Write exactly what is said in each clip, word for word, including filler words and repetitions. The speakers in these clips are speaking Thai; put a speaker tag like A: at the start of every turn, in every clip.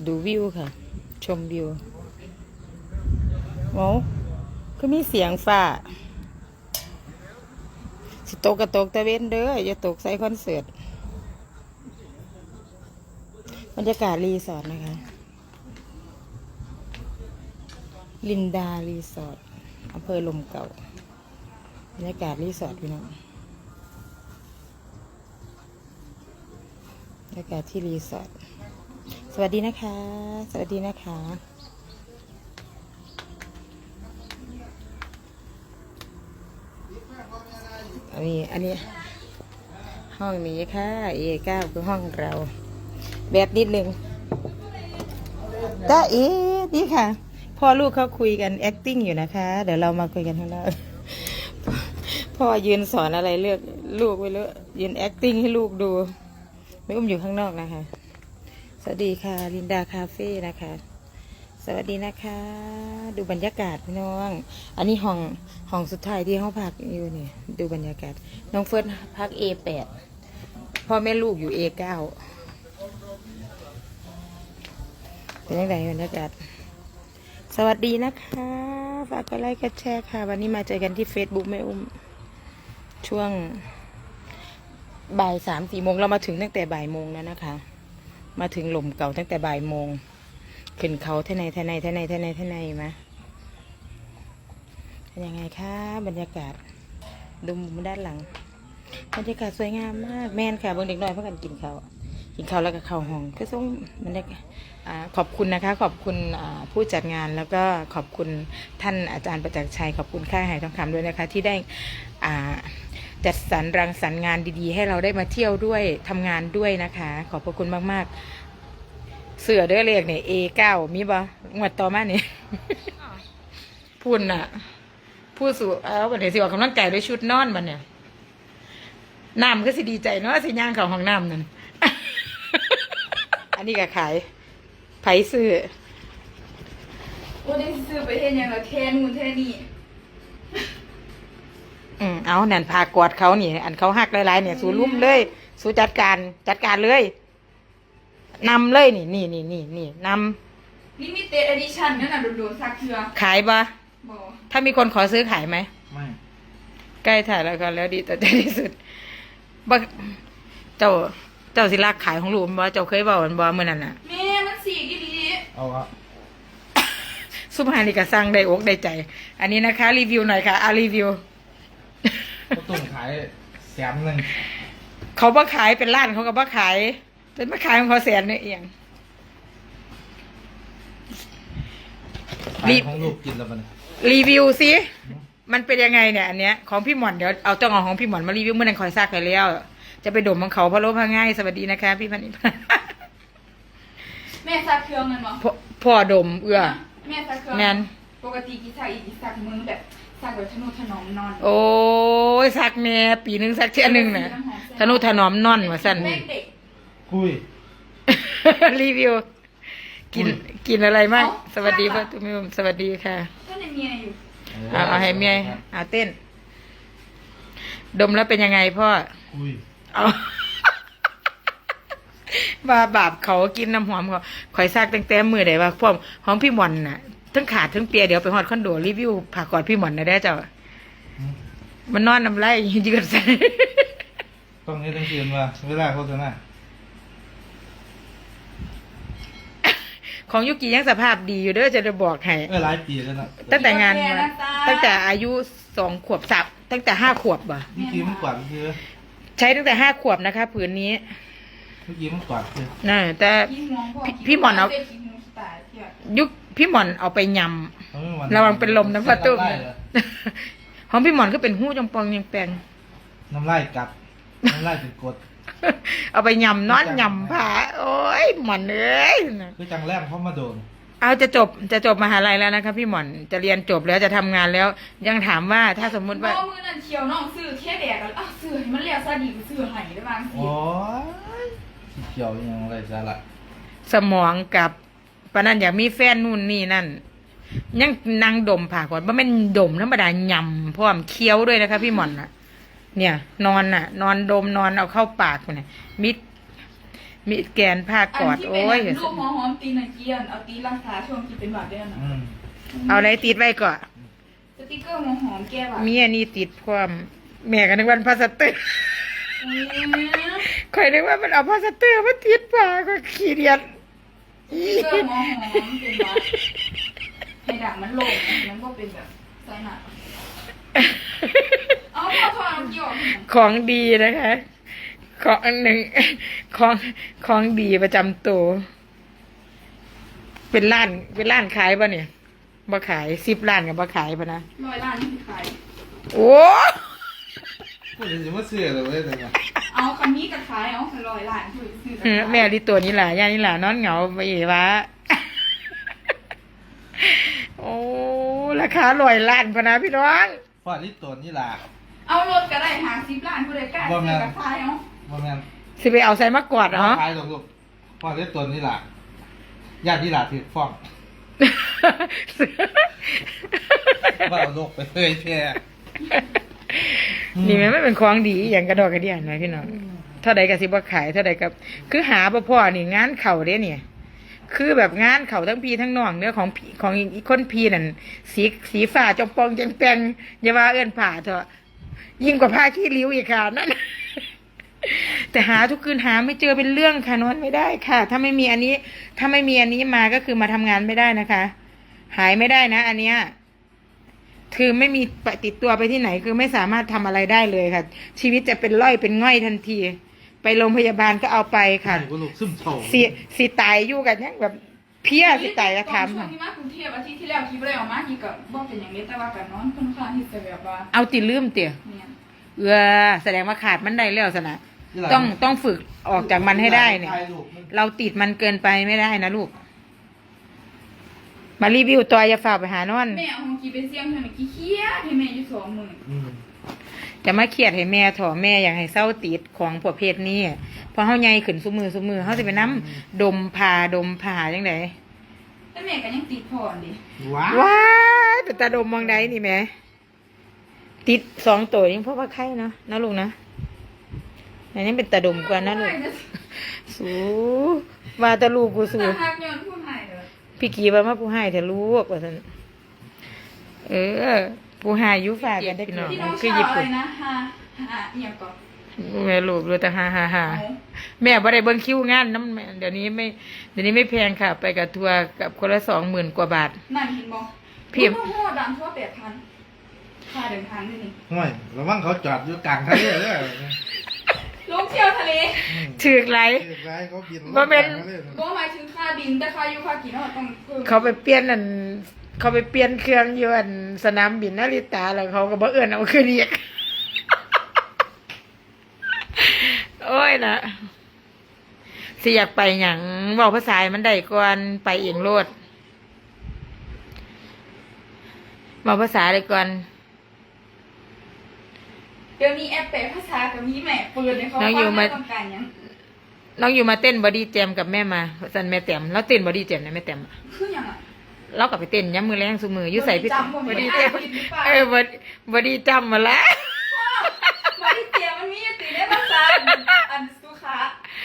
A: ดูวิวค่ะ ชมวิวโอ้ก็มีเสียงฟ้าสิตกกระตกตะเวนเด้ออย่าตกใส่คอนเสิร์ตบรรยากาศรีสอร์ทนะคะลินดารีสอร์ทอำเภอลมเก่าบรรยากาศรีสอร์ทพี่น้องบรรยากาศที่รีสอร์ทสวัสดีนะคะ สวัสดีนะคะอันนี้อันนี้ห้องนี้ค่ะ เอเก้าคือห้องเราแบบนิดนึงจ้าเอ๋นี่ค่ะพ่อลูกเขาคุยกัน acting อยู่นะคะ เดี๋ยวเรามาคุยกันข้างนอกพ่อยืนสอนอะไรเลือกลูกไว้เลยยืน acting ให้ลูกดูไม่อุ้มอยู่ข้างนอกนะคะสวัสดีค่ะลินดาคาเฟ่นะคะสวัสดีนะคะ ดูบรรยากาศพี่น้องอันนี้ห้องห้องสุดท้ายที่ห้องพักอยู่นี่ดูบรรยากาศน้องเฟิร์สพัก เอ แปด พ่อแม่ลูกอยู่ เอ เก้า เป็นยังไงบรรยากาศสวัสดีนะคะฝากกดไลค์กดแชร์ค่ะวันนี้มาเจอกันที่ Facebook แม่อุ้มช่วงบ่ายสามสี่โมงเรามาถึงตั้งแต่บ่ายโมงแล้วนะคะมาถึงหล่มเก่าตั้งแต่บ่ายโมงขึ้นเขาเท่าไหนเท่าไหนเท่าไหนเท่าไหนเท่าไหนมาเป็นยังไงคะบรรยากาศดูมุมด้านหลังบรรยากาศสวยงามมากแม่นค่ะเบิ่งเด็กน้อยเพื่อกันกินข้าวกินข้าวแล้วก็เข้าห้องก็ส่งบรรยากาศขอบคุณนะคะขอบคุณผู้จัดงานแล้วก็ขอบคุณท่านอาจารย์ประจักษ์ชัยขอบคุณค่ายหายทองคำด้วยนะคะที่ได้จัดสรรรังสรรค์งานดีๆให้เราได้มาเที่ยวด้วยทำงานด้วยนะคะขอบพระคุณมากๆเสือเด้อเรียกเนี่ย เอ เก้า มีบ่งวดต่อมาเนี่ย พุ่นอ่ะผู้สูเอาบันเทิงสิออกกำลังกายด้วยชุดนอนมันเนี่ยน้ำก็สิดีใจเนาะสิย่างเขาห้องน้ำนั่น อันนี้ก็ขายไผ่ซื้อ
B: โอ้ได้ซื้อไปเห็นอย่างละแทนมูนแทนนี่
A: อืมเอานั่นพากอดเขานี่อันเขาหักหลายๆเนี่ยสู้ลุ่มเลยสู้จัดการจัดการเลยนำเลยนี่นี่นี่นี่นี่นำ
B: ลิมิเต็ดเอดิชั่นนั่นน่ะโดนๆซักเถื่อ
A: ขายปะ
B: บ่
A: ถ้ามีคนขอซื้อขายไหม
C: ไม่
A: ใกล้ถ่ายแล้วก็แล้วดีต่อใจที่สุดบ่เจ้าเจ้าสิรักขายของลูกบ่เจ้าเคยบอกมันบ่เมื่อนั้นน่ะ
B: แม่มันสีกี่ดี
C: เอาอะ
A: สุภาพนี่ก็สร้างได้อกได้ใจ อันนี้นะคะ รีวิวหน่อยค่ะอารีวิว
C: ก็ต้มขายแสนหนึ่ง
A: เขาบ่ขายเป็นร้านเขาก็บ่ขายเป็นมาขายของเขาแสนเนี่ยเอง
C: ขายของลูกกินแล้วมัน
A: รีวิวสิมันเป็นยังไงเนี่ยอันเนี้ยของพี่หมอนเดี๋ยวเอาต้องเอาของพี่หมอนมารีวิวเมื่อนั้นคอยซักไปแล้ว จะไปดมของเขาพะโล้พะง่ายสวัสดีนะคะ พี่พันธิพา
B: แม่ซักเครื่องมันบ่
A: พ่อพ่อดมเอื้อ
B: แม่ซักเครื่อง
A: แม่น
B: ปกติกี่ซักอีกซักมือแบบซักแบบทนุถนอมนอน
A: โอ้ยซักแม่ปีหนึงซักเท่านึงน่ะทนุถนอมนอนว่าซั่น
B: แม่เด็ก
C: คุย
A: รีวิว กินกินอะไรมาก
B: เอ้า
A: สวัสดีพ่อตุ้มสวัสดีค่ะ
B: ท่านในเมียอยู่
A: เอาเอาให้เมียเอาเต้น ดมแล้วเป็นยังไงพ่อ
C: คุย
A: เอา บาบาปเขากินน้ำหอมเขาข่อยซากตั้งแต่มือไหนว่าพวกหอมพี่หมอนน่ะทั้งขาดทั้งเปียเดี๋ยวไปฮอดคอนโดรีวิวผ่ากอดพี่หมอนนะได้เจ้ามันนอนน้ำไหลยืดใส่
C: ต้องนี้ต้องเตือนว่าเวลาโฆษณา
A: ของยุกิยังสภาพดีอยู่เด้อจะได้บอกให้
C: เออหลายปีแล้วนะ
A: ตั้งแต่งานมาตั้งแต่อายุสองขวบสับตั้งแต่ห้าขวบบ่
C: เมื่อกี้มันกวาดคือ
A: ใช้ตั้งแต่ห้าขวบนะคะผืนนี้
C: เมื่อกี้มันกวาดคือ
A: น่ะแต่
B: พี่ห่วงพ่อ
A: พี่พี่หมอนเอา
B: ป็ขี้ห่วงสไตล์เที่ยว
A: ยุคพี่หมอนเอาไปย
C: เอาไม่มัน
A: ำระวังเป็นลมนะพ่อตุ้ม
C: น้ำลายเหรอ
A: ของพี่หมอนก็เป็นหู้จงปองยังแปลง
C: น้ำลายกัดน้ำลายเป็นกรด
A: เอาไปยำนอนยำผาโอ้ยหมอนเอ้ย
C: คือจังแรกเขามาโดน
A: เอาจะจบจะจบมหาลัยแล้วนะคะพี่หมอนจะเรียนจบแล้วจะทำงานแล้ว ยังถามว่าถ้าสมมุติว่า
B: พ่อมือนั่นเชียวน้องซื้อแค่แดกแล้วอ้าวซื้อให้มันเรียกซะดีกว่าซื้อให้ได้บางสิ
C: โอ้ยขี้เขียวยังไรสาระ
A: สมองกับปานนั้นอยากมีแฟนนู่นนี่นั่น ยังนางดมผ่าก่อนว่าไม่นดมธรรมดายำพร้อมเคี้ยวด้วยนะคะพี่หมอนน่ะ เนี่ย นอนน่ะ นอนดมนอนเอาเข้าปากเนี่ยมิดมีแกนผ้ากอด
B: นที่
A: โอ้
B: เป็น
A: ย
B: ลูกหอมหอมตีนเกียนเอาตีรักษาช่วงที่เป็นหวัดได้นะ
C: อืม
A: เอาอะไรติดไว้ก่อน
B: สติ๊กเกอร์หอมหอมแก้หวัด
A: มีอันนี้ติดความแม่ก็นึกว่าพลาสเตอร์
B: อืม
A: คอยนึกว่ามันเอาพลาสเตอร์มาติดปากก็ขี้เดียด
B: สติ๊กเกอร์หอมหอมเป็นหวัดให้ดังมันโล่งมันก็เป็นแบบไซนัสเอาพอทอน้ำเกี่ยว
A: ของดีนะคะ ของอันหนึ่งของของดีประจำตัว เป็นร้านเป็นร้านขายป่ะเนี่ยบ่ขายสิบร้านกับบ่ขายป่ะนะ
B: ร้อยล้านนี่ขาย
A: โอ้
C: พูดถึงจะมาเสื้อเลยเว้ยแต่ว่า
B: เอาคำนี้กับขายเอาคันร้อยล้านคือซื้อกับ
A: เออ
B: ขาย
A: แม่ลิตัวนี้แหละย่านี่แหละนอนเหงาไปเอวะ โอ้ราคาลอยล้านพะนะพี่น้อง
C: ฟาดลิตรตัวนี่ล่ะ
B: เอารถก็ได้หาสิบล้านผู้ใดกล้าซื้อกับขายเอา
C: ว่าแม่น
A: สิไปเอาใส่มากอดเหรอ
C: ขายตรงลูกฟาดลิตรตัวนี่ล่ะญาติที่ล่ะถือฟ้องว่าเอาโลกไปเลยแค่
A: นี่มันไม่เป็นของดีอหย่างกระดอกกระเดียนนะพี่น้องเท่าใดกับสิบ่ขายเท่าใดกับคือหาบ่พ่อนี่งานเข่าเด้เนี่ย คือแบบงานเข่าทั้งพี่ทั้งน้องเนื้อของพี่ของอีกคนพี่นั่นสีสีฟ้าจอมปองจังแปงอย่าว่าเอื้อนผ่าเถอะยิ่งกว่าผ้าขี้ริ้วอีกค่ะนั่น แต่หาทุกคืนหาไม่เจอเป็นเรื่องค่ะนอนไม่ได้ค่ะ ถ้าไม่มีอันนี้ ถ้าไม่มีอันนี้มาก็คือมาทำงานไม่ได้นะคะ หายไม่ได้นะ อันเนี้ยคือไม่มีไปติดตัวไปที่ไหน คือไม่สามารถทำอะไรได้เลยค่ะ ชีวิตจะเป็นร่อยเป็นง่อยทันที ไปโรงพยาบาลก็เอาไปค่ะ
C: กูลูกซึมเศร้า
A: สิสิตายอยู่กันยังแบบเพี้ยสิตายก็ทำ
B: ช่วง
A: ค่ะ
B: ที่มากรุงเทพอาทิตย์ที่แล้วคิดว่าได้ออกมาที่กับบอกเป็นอย่างนี้แต่ว่ากับนอนค่อนข้างที่จะแบบว่า
A: เอาติลืมเตี่ย
B: เนี่ย
A: เออแสดงว่าขาดมันได้แล้วสนะต้องต้องฝึกออกจากมันให้ได้เนี่ย
C: ถ่ายรูปมัน
A: เราติดมันเกินไปไม่ได้นะลูก มารีวิวตัวอย่าฝากไปหานอน
B: แม่เอาของกีเป็นเสียงเธอหน่อยกี้เคี้ยให้แม่อยู่สองหมื่น
C: อืม
A: จะมาเครียดให้แม่ถอแม่อยากให้เศร้าติดของประเภทนี้เพราะเฮาใหญ่ขึ้นซุมือซุมือเฮาสิไปน้ำดมผ่าดมผ่าจังได
B: แต่แม่ก็ยังติดผ่อนดิ
C: ว้า
A: ว้ายเป็นตาดมมองใดนี่แหม่ติดสองตัวยังเพราะว่าไข้เนาะนะลูกนะอันนี้เป็นตาดมกว่านะลูกสูว่าแตาลูกกูสู
B: แต่หักเงินผู้ใหายเลย
A: พี่กีว่ามาผู้ให้เถอะลูกว่าซั่นเออ ผู้ให้อยู่ฝากกันได้พี่น้อง
B: ที่น้อง
A: คือ
B: ชาว
A: ญี่
B: อะ
A: ปุ่
B: ไร
A: น
B: นะฮาฮาเอียงก่อน
A: แม่ลูกรู้แต่ฮ่าฮ่าฮ่า
B: เอา
A: แม่บ่ได้เบิ่งคิวงานน้ำแม่เดี๋ยวนี้ไม่เดี๋ยวนี้ไม่แพงค่ะ ไปกับทัวร์กับคนละสองหมื่นกว่าบาท
B: นั่นเห็นบ่
A: พี่
B: โอ้โหดังทั่วแปดพันค่าเดินทางนี่นี่
C: ห่วยระวังเขาจอดอยู่กลางทะเลเลย
B: ลงเที่ยวทะเล
A: ถือกไร
C: เรียกร้ายเขาบิน
A: บ่เป็น
C: ลงกลางทะเล
B: บ่หมายถึงค่าบินแต่ค่าอยู่ค่ากินเราต้องเพิ่ม
A: เขาไปเปลี่ยนอันเขาไปเปลี่ยนเครื่องอยู่อันสนามบินนาริตาแล้วเขาก็บ่เอื้อนเอาคืนอีก โอ้ยนะสิอยากไปหยังเว้าภาษาให้มันได้ก่อนไปเองโลดเว้าภาษาได้ก่อน
B: เดี๋ยวนี้แอปแปลภาษากับมีแม่เปิดให้เขาฟังแล้วต้องการหยัง
A: น้องอยู่มาเต้นบอดี้แจมกับแม่มาสันแม่แต้มแล้วเต้นบอดี้แจมนะแม่แต้มอะ
B: คือหยังอ่ะ
A: เรากลับไปเต้นย้ำมือแรงสุมืออยู่ใส่พี่
B: จำบ่
A: บ
B: มี
A: อดี้
B: แอ
A: แจ
B: ป
A: ม
B: ผิดหรือเปล่า
A: เออบอดบอดี้จำมาแล้ว
B: บริเตียมันมีอยู่ติในภาษาอันสุขา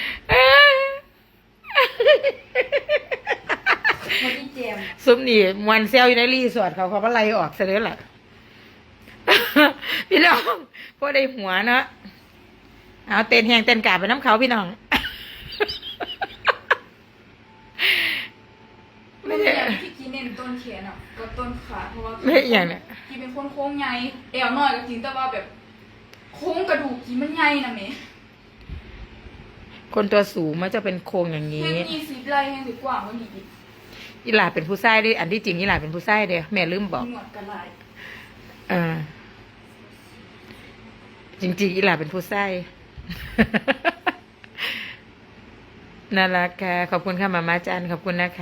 B: บริเตียม
A: ซุ้มนี่มวนเซลอยู่ในรีสอร์ทเขาเขาก็ไล่ออกเสยเลยล่ะ พี่น้องพอได้หัวเนาะเอาเต้นแหงเต้นกาบไปน้ำเขาพี่น้อง
B: ไม่ใช่อย่างที่กินเน้นต้นเขียนอ่ะกับต้นขาเพราะว่า
A: ไม่อย่างเนี่ย
B: กินเป็นคนโค้งใหญ่เอวน้อยก็จริงแต่ว่าแบบโค้งกระดูกกินมันใหญ่นะเม
A: คนตัวสูงมันจะเป็นโครงอย่าง
B: แค่
A: นี้
B: มีสิบไรแค่สิบกว่ามันอีก
A: อีหลาเป็นผู้ชายดิอันที่จริงอีหลาเป็นผู้ชายเด้อแม่ลืมบอก
B: มีหนวดกระไร
A: เออจริงๆอีหลาเป็นผู้ไส้ น่ารักค่ะขอบคุณค่ะมาม่าจันขอบคุณนะคะ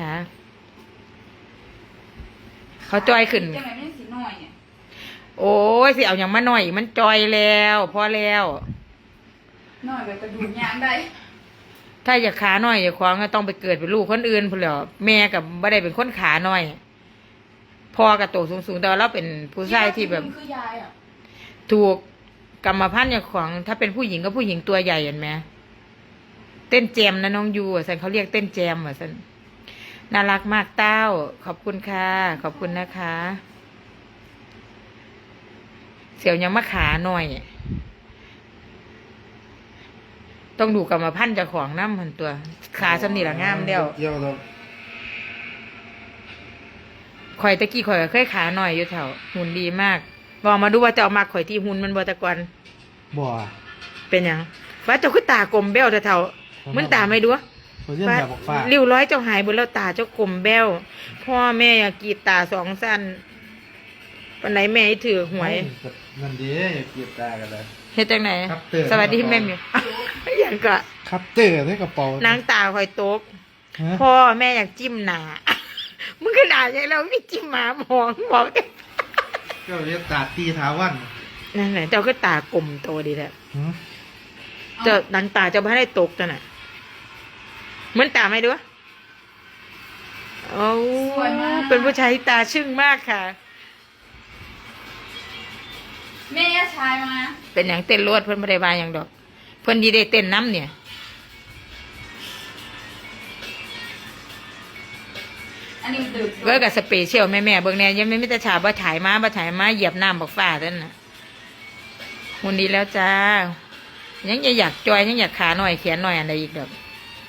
A: เขาจอยขึ้น
B: จังไหนไม่สีน้อยเนี่ย
A: โอ้ยสิเอาอย่างมาหน่อย มันจอยแล้วพอแล้ว
B: น้อยแบบกระดูกยางได้
A: ถ้าอยากขาหน่อยอย่าควางก็ต้องไปเกิดเป็นลูกคนอื่นพุ่นแหล้วแม่กับบ่ได้เป็นคนขาหน่อยพ่อกับโตสูงๆแต่ว่าเราเป็นผู้ชายที่แบบ
B: คือยายอ่ะ
A: ถูกกรรมพันธุ์อย่างของถ้าเป็นผู้หญิงก็ผู้หญิงตัวใหญ่เห็นไหมเต้นแจมนะน้องยูอ่ะสันเขาเรียกเต้นแจมอ่ะสันน่ารักมากเต้าขอบคุณค่ะขอบคุณนะคะ เสียวยังมาขาหน่อย ต้องดูกรรมพันธุ์เจ้าของน้ำมันตัว ขาสำนีละงามเดียว
C: เกี่ยวเรา
A: ข่อยตะกี้ข่อยก็เคยขาหน่อยอยู่แถวหุ่นดีมากบอกมาดูว่าจะเอามาข่อยที่หุ่นมันบอตะกอน
C: บ่
A: เป็นหยังว่าเจ้าคือตากลมแบ้วแถวๆมันตาไม่ดู
C: เขาเรียนแบบบอกฟ้า
A: ริ้วร้อยเจ้าหายบนแล้วตาเจ้ากลมแบ้วพ่อแม่อยากกรีดตาสองสั้นปันไหนแม่ให้ถือหวย
C: นั่นดีอย่าเกลียดตากันเลย
A: เฮ็ดจังไหน
C: ครับเตือน
A: สวัสดีแม่มิว อย่างก็
C: ครับเตอร์ในกระเป๋าน
A: างตาคอยตก
C: ฮะ
A: พ่อแม่อยากจิ้มหนา มึงก็ด่าอย่างเราไม่จิ้มหมาหมองบอก
C: ก็เรียกตาตีท้าวัน
A: นั่นแหละเจ้าก็ตากลมโตดีแหละ
C: หืม
A: เจ้านางตาเจ้าไม่ได้ตกจังน่ะเหมือนตาไหมดูโอ้
B: สวยมาก
A: เป็นผู้ชายที่ตาชึ่งมากค่ะ
B: แม่ชายมา
A: เป็นอย่างเต้นรวดเพิ่นไม่ได้บายอย่างดอก เพิ่นดีได้เต้นน้ำเนี่ย
B: อันนี้ดึก
A: เว้ยกับสเปเชียลแม่แม่ๆเบิ่งแน่ยังไม่มีแต่ฉาบ่ถ่ายมาบ่ถ่ายมาเหยียบน้ำบอกฟ้าท่านน่ะหุ่นดีแล้วจ้า ยังอยากจอยยังอยากขาหน่อยแขนหน่อยอะไรอีกดอก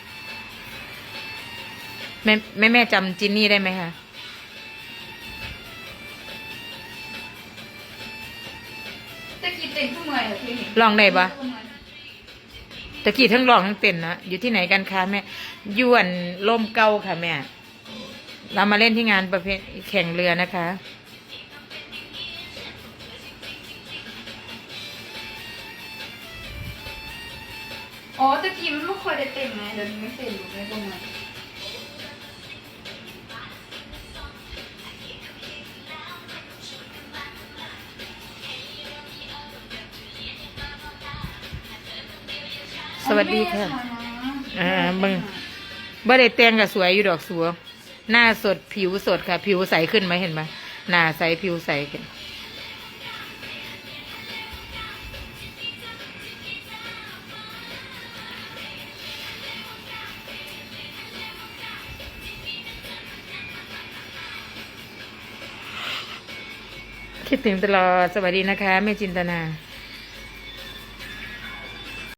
A: แม่แม่แม่จำจินนี่ได้ไหมคะ
B: ตะกี้เต็มทุกเมื่อยเหรอพี่
A: ลองได้ปะตะกี้ทั้งร้องทั้งเต้นนะอยู่ที่ไหนกันคะแม่ยวนลมเก่าค่ะแม่เรามาเล่นที่งานประเภทแข่งเรือนะคะ
B: อ๋อตะกี้มันไม่ค่อยได้เต็มไงเดี๋ยวนี้ไม่เต็มอยู่ในตรงนั้น
A: สวัสดีค่ะ อ่าเบิ่ง บ่ได้แต่งกับสวยอยู่ดอกสัวหน้าสดผิวสดค่ะ ผิวใสขึ้นไหมเห็นไหมหน้าใสผิวใสขึ้นคิดถึงตลอดสวัสดีนะคะแม่จินตนา